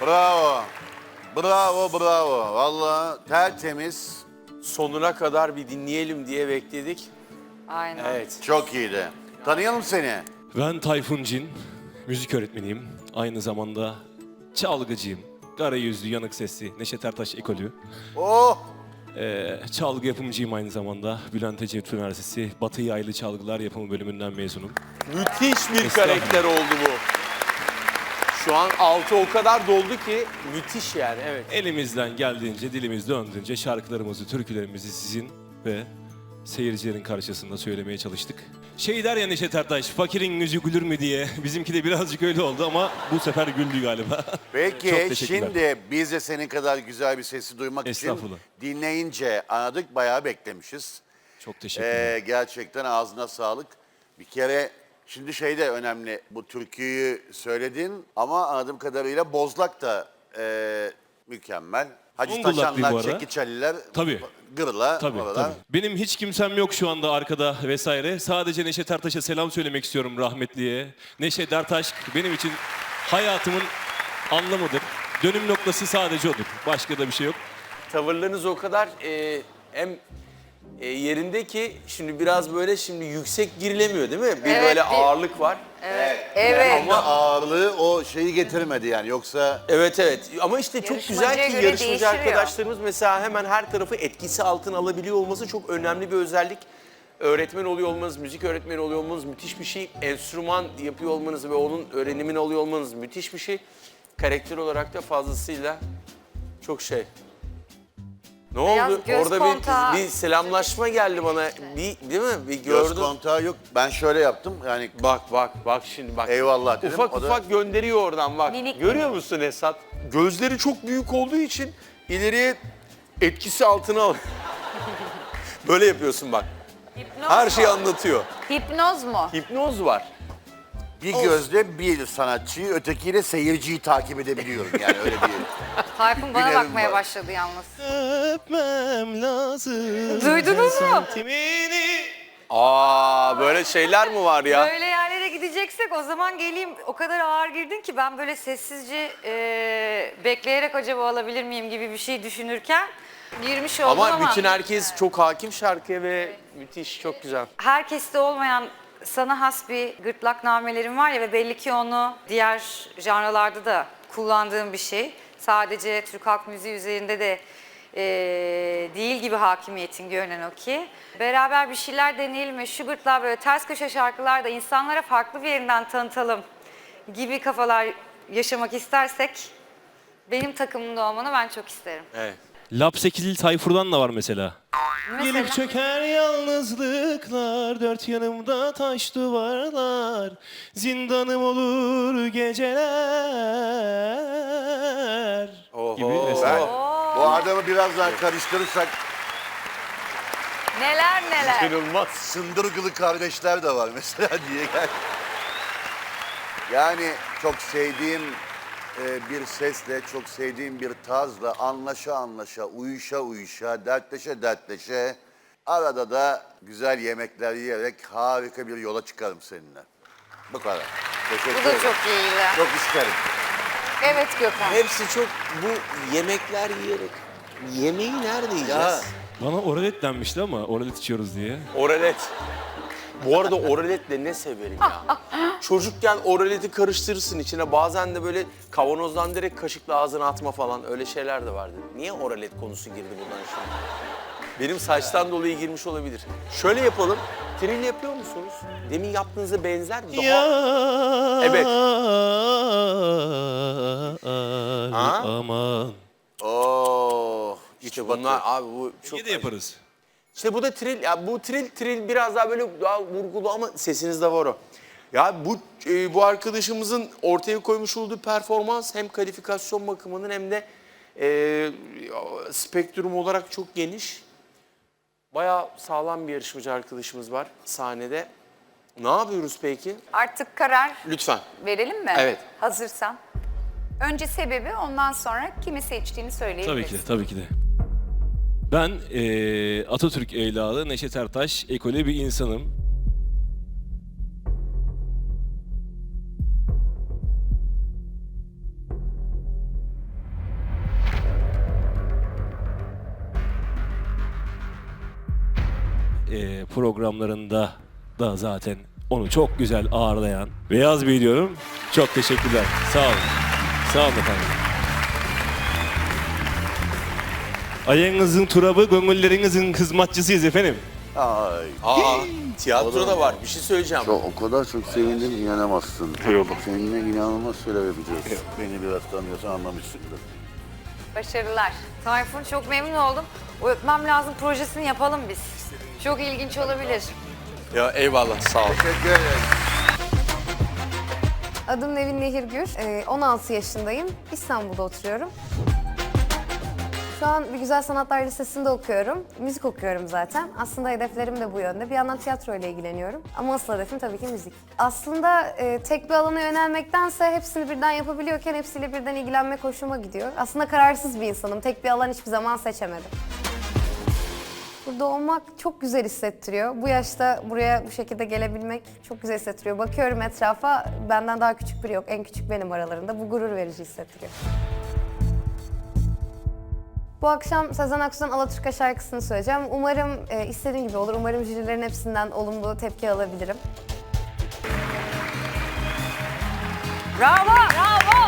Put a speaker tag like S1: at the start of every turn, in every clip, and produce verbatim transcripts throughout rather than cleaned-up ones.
S1: Bravo. Bravo, bravo. Vallahi tertemiz.
S2: Sonuna kadar bir dinleyelim diye bekledik.
S3: Aynen.
S2: Evet.
S1: Çok iyiydi. Tanıyalım seni.
S4: Ben Tayfun Cin, müzik öğretmeniyim. Aynı zamanda çalgıcıyım. Kara yüzlü, yanık sesli, Neşet Ertaş ekolü.
S1: Oh!
S4: Ee, çalgı yapımcıyım aynı zamanda. Bülent Ecevit Üniversitesi Batı Yaylı Çalgılar Yapımı bölümünden mezunum.
S2: Müthiş bir
S4: Estağfurullah.
S2: karakter oldu bu. Şu an altı o kadar doldu ki müthiş yani, evet.
S4: Elimizden geldiğince, dilimiz döndüğünce şarkılarımızı, türkülerimizi sizin ve seyircilerin karşısında söylemeye çalıştık. Şey der ya Neşet Ertaş, fakirin yüzü gülür mü diye. Bizimki de birazcık öyle oldu ama bu sefer güldü galiba. Çok
S1: Peki
S4: teşekkürler.
S1: şimdi biz de senin kadar güzel bir sesi duymak için
S4: Estağfurullah.
S1: dinleyince anladık, bayağı beklemişiz.
S4: Çok teşekkürler.
S1: Ee, gerçekten ağzına sağlık. Bir kere şimdi şey de önemli, bu türküyü söyledin ama anladığım kadarıyla Bozlak da e, mükemmel. Hacı
S4: Zonguldak bir bu
S1: Taşanlar,
S4: arada.
S1: Çekiç Ali'ler,
S4: Tabii.
S1: Gırla,
S4: Tabii,
S1: oralar.
S4: tabii. Benim hiç kimsem yok şu anda arkada vesaire. Sadece Neşet Ertaş'a selam söylemek istiyorum rahmetliye. Neşet Ertaş benim için hayatımın anlamıdır. Dönüm noktası sadece odur. Başka da bir şey yok.
S2: Tavırlarınız o kadar e, hem e, yerinde ki şimdi biraz böyle şimdi yüksek girilemiyor değil mi? Bir
S3: Evet,
S2: böyle
S3: bir-
S2: ağırlık var.
S3: Evet.
S1: Ama ağırlığı o şeyi getirmedi yani, yoksa
S2: Evet evet ama işte çok güzel
S3: Yarışmacıya
S2: ki
S3: göre
S2: yarışmacı
S3: değişiyor.
S2: arkadaşlarımız mesela hemen her tarafı etkisi altına alabiliyor olması çok önemli bir özellik. Öğretmen oluyor olmanız, müzik öğretmeni oluyor olmanız müthiş bir şey. Enstrüman yapıyor olmanız ve onun öğrenimini alıyor olmanız müthiş bir şey. Karakter olarak da fazlasıyla çok şey. Ne
S3: Biraz
S2: oldu?
S3: göz
S2: Orada
S3: kontağı.
S2: bir, bir selamlaşma geldi bana. Bir, değil mi? Bir
S1: göz
S2: gördüm.
S1: kontağı yok. Ben şöyle yaptım yani,
S2: Bak bak bak şimdi bak.
S1: eyvallah dedim.
S2: Ufak
S1: o da-
S2: ufak gönderiyor oradan bak.
S3: Minik
S2: Görüyor musun Esat? Gözleri çok büyük olduğu için ileriye etkisi altına al. Böyle yapıyorsun bak.
S3: Hipnoz
S2: Her şeyi
S3: mu?
S2: anlatıyor.
S3: Hipnoz mu?
S2: Hipnoz var.
S1: Bir gözle bir sanatçıyı, ötekiyle seyirciyi takip edebiliyorum yani, öyle bir.
S3: Tayfun bana
S1: Bilerim
S3: bakmaya
S1: var.
S3: başladı yalnız.
S4: Öpmem lazım.
S3: Duydunuz mu?
S4: Sentimini.
S2: Aa böyle şeyler mi var ya?
S3: Böyle yerlere gideceksek o zaman geleyim. O kadar ağır girdin ki ben böyle sessizce e, bekleyerek acaba alabilir miyim gibi bir şey düşünürken girmiş oldum ama.
S2: Ama bütün herkes çok hakim şarkıya ve müthiş, çok güzel.
S3: Herkeste olmayan sana has bir gırtlak namelerim var ya ve belli ki onu diğer janralarda da kullandığım bir şey. Sadece Türk halk müziği üzerinde de eee, değil gibi hakimiyetin görünen o ki. Beraber bir şeyler deneyelim ve şu gırtlağı böyle ters köşe şarkılarda insanlara farklı bir yerinden tanıtalım gibi kafalar yaşamak istersek benim takımımda olmanı ben çok isterim.
S2: Evet.
S4: Lapsekili Tayfur'dan da var mesela.
S3: Mesela
S4: Gelip çöker yalnızlıklar, dört yanımda taş duvarlar, zindanım olur geceler
S2: Oho.
S4: gibi
S1: Ben,
S4: mesela.
S1: bu adamı biraz daha karıştırırsak
S3: neler neler.
S2: İnanılmaz.
S1: Sındırgılı kardeşler de var mesela diye gel. Yani çok sevdiğim e, bir sesle, çok sevdiğim bir tarzla anlaşa anlaşa, uyuşa uyuşa, dertleşe dertleşe, arada da güzel yemekler yiyerek harika bir yola çıkarım seninle. Bu kadar. Teşekkür
S3: Bu
S1: ederim.
S3: da çok iyiydi.
S1: Çok isterim.
S3: Evet Gökhan.
S2: Hepsi çok bu yemekler yiyerek. Yemeği nerede yiyeceğiz?
S1: Ya.
S4: Bana oralet denmişti ama oralet içiyoruz diye.
S2: Oralet. Bu arada oraletle ne severim ya. Çocukken oraleti karıştırırsın içine. Bazen de böyle kavanozdan direkt kaşıkla ağzına atma falan. Öyle şeyler de vardı. Niye oralet konusu girdi buradan şimdi? Benim saçtan dolayı girmiş olabilir. Şöyle yapalım. Tril yapıyor musunuz? Demin yaptığınıza benzer mi? Daha...
S4: Ya
S2: Evet.
S4: Ali aman.
S1: Oo, iç
S2: İşte
S1: batı.
S2: bunlar abi bu çok...
S4: İyi de yaparız.
S2: İşte bu da tril, ya bu tril tril biraz daha böyle daha vurgulu ama sesinizde var o. Ya bu e, bu arkadaşımızın ortaya koymuş olduğu performans hem kalifikasyon bakımının hem de e, spektrum olarak çok geniş. Bayağı sağlam bir yarışmacı arkadaşımız var sahnede. Ne yapıyoruz peki?
S5: Artık karar
S2: Lütfen.
S5: verelim mi?
S2: Evet.
S5: Hazırsan. Önce sebebi, ondan sonra kimi seçtiğini söyleyebiliriz.
S4: Tabii ki de, tabii ki de. Ben eee, Atatürk evladı Neşet Ertaş ekolü bir insanım. e, programlarında da zaten onu çok güzel ağırlayan Beyaz Bey diyorum. Çok teşekkürler. Sağ olun. Sağ olun efendim. Ayağınızın turabı, gönüllerinizin hizmetçisiyiz efendim.
S1: Ay.
S2: Aa, tiyatro da var. Bir şey söyleyeceğim.
S1: Çok, o kadar çok sevindim inanamazsın. Seninle inanılmaz şeyler yapacağız. Beni biraz tanıyorsan anlamışsındır.
S5: Başarılar.
S3: Tayfun çok memnun oldum. O Öpmem Lazım projesini yapalım biz. Çok ilginç olabilir.
S2: Ya eyvallah, sağ ol.
S1: Teşekkür ederim.
S6: Adım Nevin Nehirgür, Ee, on altı yaşındayım. İstanbul'da oturuyorum. Şu an bir Güzel Sanatlar Lisesi'nde okuyorum. Müzik okuyorum zaten. Aslında hedeflerim de bu yönde. Bir yandan tiyatro ile ilgileniyorum. Ama asıl hedefim tabii ki müzik. Aslında e, tek bir alana yönelmektense hepsini birden yapabiliyorken hepsiyle birden ilgilenmek hoşuma gidiyor. Aslında kararsız bir insanım. Tek bir alan hiçbir zaman seçemedim. Burada olmak çok güzel hissettiriyor. Bu yaşta buraya bu şekilde gelebilmek çok güzel hissettiriyor. Bakıyorum etrafa, benden daha küçük biri yok. En küçük benim aralarında. Bu gurur verici hissettiriyor. Bu akşam Sezen Aksu'dan Alaturka şarkısını söyleyeceğim. Umarım e, istediğim gibi olur. Umarım jürilerin hepsinden olumlu tepki alabilirim.
S3: Bravo! Bravo!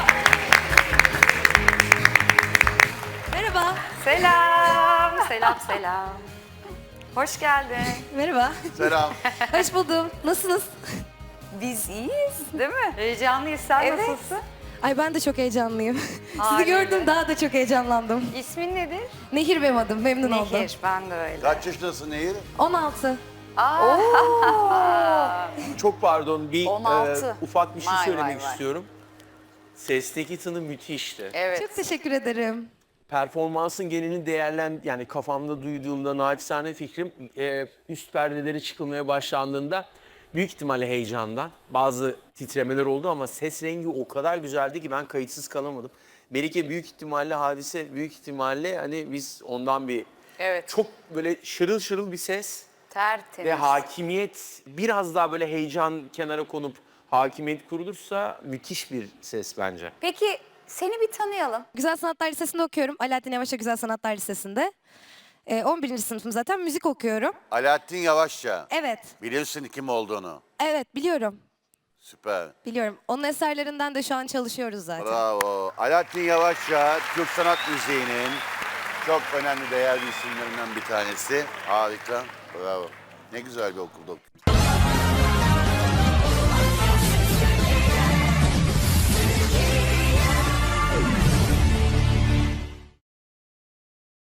S7: Merhaba.
S3: Selam, selam, selam. Hoş geldin.
S7: Merhaba.
S1: Selam.
S7: Hoş buldum. Nasılsınız?
S3: Biz iyiyiz, değil mi? Heyecanlıyız. Sen
S6: Evet.
S3: nasılsın?
S7: Ay ben de çok heyecanlıyım.
S3: Harika.
S7: Sizi gördüm daha da çok heyecanlandım.
S3: İsmin nedir?
S7: Nehir benim adım. Memnun oldum.
S3: Nehir, ben de öyle.
S1: Kaç yaşındasın Nehir?
S7: on altı.
S2: Çok pardon, bir
S3: on altı.
S2: e, ufak bir şey
S3: Vay,
S2: söylemek
S3: vay, vay.
S2: istiyorum. Sesteki tını müthişti.
S3: Evet.
S7: Çok teşekkür ederim.
S2: Performansın genelini değerlen yani kafamda duyduğumda naçizane fikrim e, üst perdeleri çıkılmaya başlandığında büyük ihtimalle heyecandan bazı titremeler oldu ama ses rengi o kadar güzeldi ki ben kayıtsız kalamadım. Melike büyük ihtimalle Hadise büyük ihtimalle hani biz ondan bir
S3: Evet.
S2: çok böyle şırıl şırıl bir ses
S3: Tertemiz.
S2: ve hakimiyet biraz daha böyle heyecan kenara konup hakimiyet kurulursa müthiş bir ses bence.
S5: Peki seni bir tanıyalım.
S7: Güzel Sanatlar Lisesi'nde okuyorum. Alaaddin Yavaşça Güzel Sanatlar Lisesi'nde. Ee, on birinci sınıfım zaten. Müzik okuyorum.
S1: Alaaddin Yavaşça.
S7: Evet.
S1: Bilirsin kim olduğunu.
S7: Evet biliyorum.
S1: Süper.
S7: Biliyorum. Onun eserlerinden de şu an çalışıyoruz zaten.
S1: Bravo. Alaaddin Yavaşça Türk sanat müziğinin çok önemli değerli isimlerinden bir tanesi. Harika. Bravo. Ne güzel bir okulda okuyorsun.